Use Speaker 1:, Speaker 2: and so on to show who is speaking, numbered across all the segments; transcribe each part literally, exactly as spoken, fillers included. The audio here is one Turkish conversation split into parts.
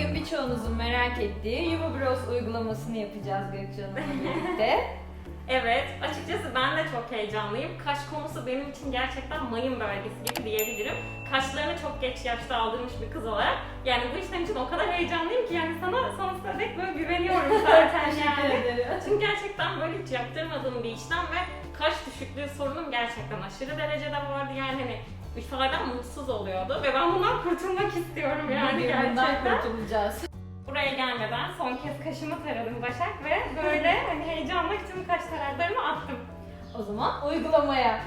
Speaker 1: Bugün birçoğunuzun merak ettiği Yuva Bros uygulamasını yapacağız Gökçe Hanım'la birlikte.
Speaker 2: Evet, açıkçası ben de çok heyecanlıyım. Kaş konusu benim için gerçekten mayın bölgesi gibi diyebilirim. Kaşlarını çok geç yaşta aldırmış bir kız olarak. Yani bu işlem için o kadar heyecanlıyım ki yani sana sonsuza dek böyle güveniyorum zaten yani. Çünkü gerçekten böyle hiç yaptırmadığım bir işlem ve kaş düşüklüğü sorunum gerçekten aşırı derecede vardı yani hani ifadem mutsuz oluyordu ve ben bundan kurtulmak istiyorum yani
Speaker 1: Bugün
Speaker 2: gerçekten.
Speaker 1: bundan kurtulacağız.
Speaker 2: Buraya gelmeden son kez kaşımı taradım Başak ve böyle hani heyecanla tüm kaş taraklarımı attım.
Speaker 1: O zaman uygulamaya.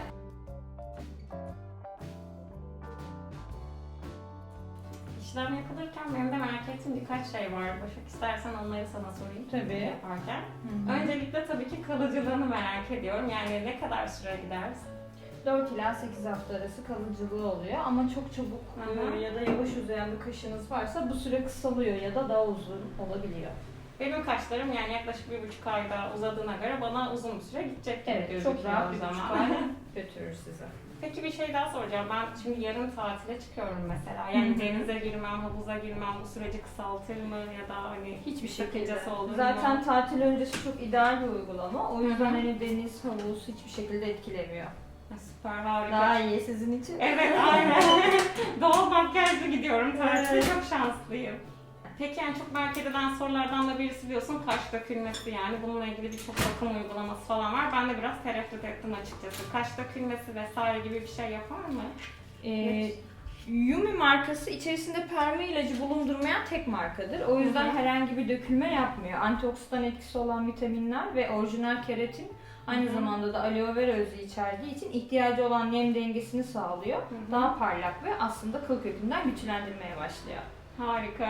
Speaker 2: İşlem yapılırken benim de merak ettiğim birkaç şey var. Başak istersen onları sana sorayım.
Speaker 1: Tabii.
Speaker 2: Yaparken.
Speaker 1: Hı hı.
Speaker 2: Öncelikle tabii ki kalıcılığını merak ediyorum. Yani ne kadar süre gider?
Speaker 1: dört ila sekiz hafta arası kalıcılığı oluyor ama çok çabuk
Speaker 2: Hı hı.
Speaker 1: ya da yavaş uzayan bir kaşınız varsa bu süre kısalıyor ya da daha uzun olabiliyor.
Speaker 2: Benim kaşlarım yani yaklaşık bir buçuk ayda uzadığına göre bana uzun bir süre gidecek gibi
Speaker 1: Evet,
Speaker 2: gözüküyor
Speaker 1: çok rahat
Speaker 2: o
Speaker 1: bir buçuk
Speaker 2: zaman.
Speaker 1: ay götürür sizi.
Speaker 2: Peki bir şey daha soracağım. Ben şimdi yarın tatile çıkıyorum mesela. Yani
Speaker 1: Hı hı.
Speaker 2: denize girmem, havuza girmem bu süreci kısaltır mı ya da hani
Speaker 1: Hiçbir şekilde.
Speaker 2: sakıncası olur mu?
Speaker 1: Zaten tatil öncesi çok ideal bir uygulama. O yüzden
Speaker 2: Hı hı.
Speaker 1: hani deniz, havuz hiçbir şekilde etkilemiyor.
Speaker 2: Süper, harika.
Speaker 1: Daha iyi sizin için.
Speaker 2: Evet, aynen. Doğal makyajla gidiyorum tatile.
Speaker 1: Evet.
Speaker 2: Çok şanslıyım. Peki yani çok merak edilen sorulardan da birisi biliyorsun kaş dökülmesi yani. Bununla ilgili birçok bakım uygulaması falan var. Ben de biraz tereddüt ettim açıkçası. Kaş dökülmesi vesaire gibi bir şey yapar mı?
Speaker 1: Ee, Yumi markası içerisinde perma ilacı bulundurmayan tek markadır. O yüzden
Speaker 2: Hı hı.
Speaker 1: herhangi bir dökülme yapmıyor. Antioksidan etkisi olan vitaminler ve orijinal keratin aynı
Speaker 2: Hı hı.
Speaker 1: zamanda da aloe vera özü içerdiği için ihtiyacı olan nem dengesini sağlıyor.
Speaker 2: Hı hı.
Speaker 1: Daha parlak ve aslında kıl kökünden güçlendirmeye başlıyor.
Speaker 2: Harika.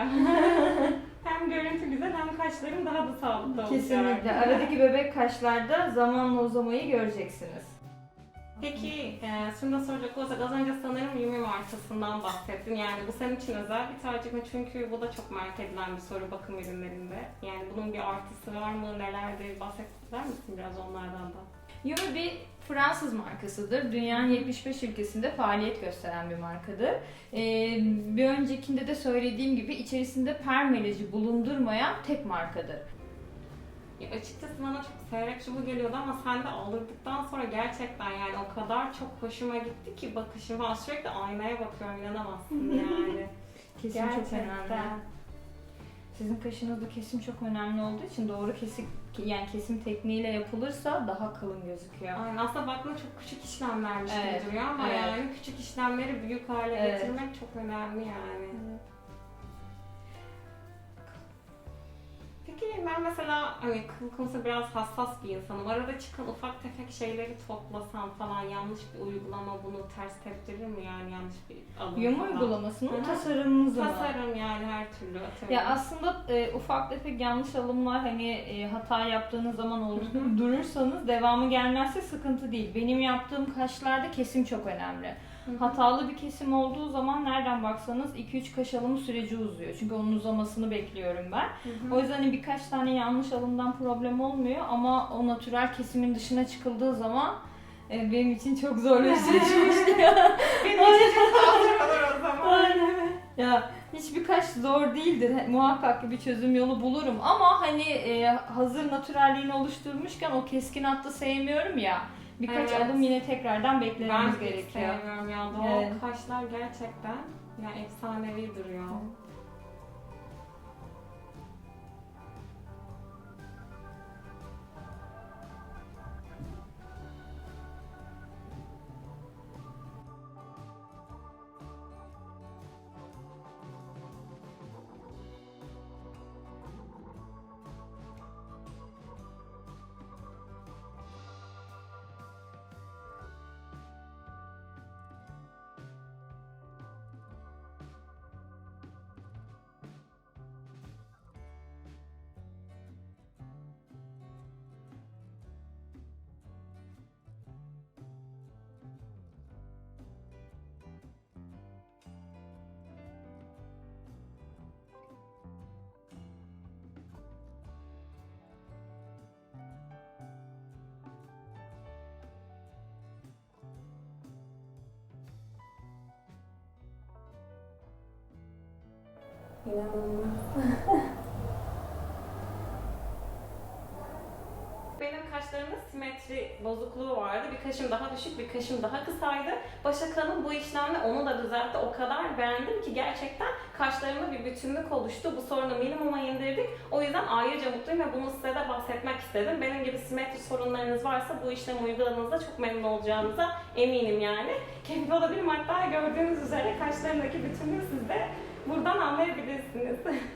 Speaker 2: Hem görüntü güzel hem kaşlarım daha da sağlıklı olacak.
Speaker 1: Kesinlikle. Aradaki bebek kaşlarda zamanla uzamayı göreceksiniz.
Speaker 2: Peki, e, şunu da soracak olursak az önce sanırım Yumi markasından bahsettin. Yani bu senin için özel bir tercih mi? Çünkü bu da çok merak edilen bir soru bakım ürünlerinde. Yani bunun bir artısı var mı? Nelerdir? Bahseder misin biraz onlardan da?
Speaker 1: Yumi bir Fransız markasıdır. Dünyanın yetmiş beş ülkesinde faaliyet gösteren bir markadır. Ee, bir öncekinde de söylediğim gibi içerisinde perma ilacı bulundurmayan tek markadır.
Speaker 2: Ya açıkçası bana çok seyrek çubuğu geliyordu ama sen de aldırdıktan sonra gerçekten yani o kadar çok hoşuma gitti ki bakışıma sürekli aynaya bakıyorum inanamazsın yani.
Speaker 1: Kesim çok önemli. Sizin kaşınızda kesim çok önemli olduğu için doğru kesim yani kesim tekniğiyle yapılırsa daha kalın gözüküyor.
Speaker 2: Aynen aslında baktığında çok küçük işlemlermiş
Speaker 1: Evet,
Speaker 2: gibi duruyor ama
Speaker 1: evet.
Speaker 2: yani küçük işlemleri büyük hale
Speaker 1: Evet.
Speaker 2: getirmek çok önemli yani. Peki ben mesela hani kıl konusunda biraz hassas bir insanım. Arada çıkan ufak tefek şeyleri toplasam falan yanlış bir uygulama bunu ters teptirir mi yani yanlış bir alım
Speaker 1: Yum
Speaker 2: falan?
Speaker 1: uygulamasının
Speaker 2: Hı hı.
Speaker 1: tasarımınızı mı?
Speaker 2: Tasarım yani her türlü atıyorum.
Speaker 1: Ya aslında e, ufak tefek yanlış alımlar hani e, hata yaptığınız zaman olur,
Speaker 2: Hı hı.
Speaker 1: durursanız devamı gelmezse sıkıntı değil. Benim yaptığım kaşlarda kesim çok önemli.
Speaker 2: Hı hı.
Speaker 1: Hatalı bir kesim olduğu zaman nereden baksanız iki üç kaş alımı süreci uzuyor. Çünkü onun uzamasını bekliyorum ben.
Speaker 2: Hı hı.
Speaker 1: O yüzden hani birkaç tane yanlış alımdan problem olmuyor ama o natürel kesimin dışına çıkıldığı zaman e, benim için çok zor bir süreç başlıyor.
Speaker 2: Benim için çok hazır olur o zaman.
Speaker 1: Aynen. Ya hiçbir kaş zor değildir. He- Muhakkak ki bir çözüm yolu bulurum ama hani e, hazır natürelliğini oluşturmuşken o keskin hattı sevmiyorum ya. Birkaç
Speaker 2: Evet.
Speaker 1: alım yine tekrardan beklememiz
Speaker 2: Ben hiç
Speaker 1: gerekiyor.
Speaker 2: sevmiyorum ya. Doğal
Speaker 1: Evet.
Speaker 2: kaşlar gerçekten yani efsanevi duruyor. İnanılmaz. Benim kaşlarımda simetri bozukluğu vardı. Bir kaşım daha düşük, bir kaşım daha kısaydı. Başak Hanım bu işlemle onu da düzeltti. O kadar beğendim ki gerçekten kaşlarımda bir bütünlük oluştu. Bu sorunu minimuma indirdik. O yüzden ayrıca mutluyum ve bunu size de bahsetmek istedim. Benim gibi simetri sorunlarınız varsa bu işlemi uyguladığınızda çok memnun olacağınıza eminim yani. Keyifli olabilirim. Hatta gördüğünüz üzere kaşlarımdaki bütünlüğü siz de buradan anlayabilirsiniz.